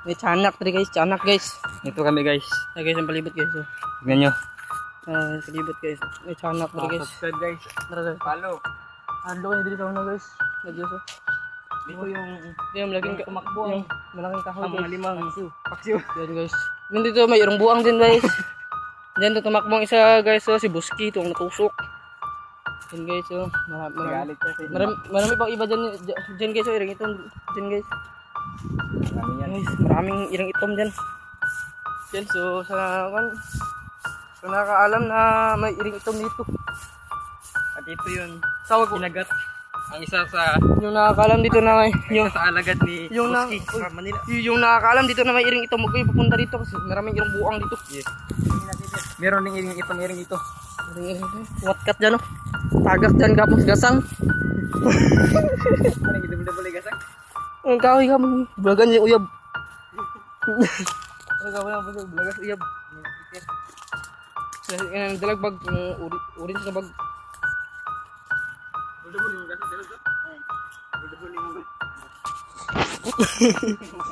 May tiyanak tadi guys, tiyanak guys. Ito kami guys. Nah guys, ang palibot guys. Oh. Tignan nyo. Palibot guys. May tiyanak tadi guys. Subscribe guys. Tara guys. Follow. Halo kayo dito sa una guys. Nagyos oh. Dito Yung malaking tumakbo, yung malaking kahoy ang mga guys. limang paksiw. Yan guys. Nandito may irong buang din guys. Diyan to tumakbong isa guys, oh, si Buski itong natusok. Yan guys, oh. Galit kasi. Marami pang iba dyan guys, oh, irang itom dyan guys. Marami yan. Guys, maraming irang itom dyan. Yan, so sa nakakaalam na may iring itom dito. At ito yun. Tawag ko. Kinagat. Ang isa sa Yung nakakaalam dito na may yung sa alagad ni yung na, Buski sa Manila. yung nakakaalam dito na may iring itom, huwag kayo pupunta dito kasi maraming irong buang dito. Yes. Meron ding iring ito. Iring itom. Watkat dyan, oh. Tagak dyan kapos gasang. Ano yung double gasak? Ang kahoy ka mo. Bulagan niya uyab. Ang kahoy ka mo. Bulagas uyab. Dalagbag. Orange na bag. Double yung gasak.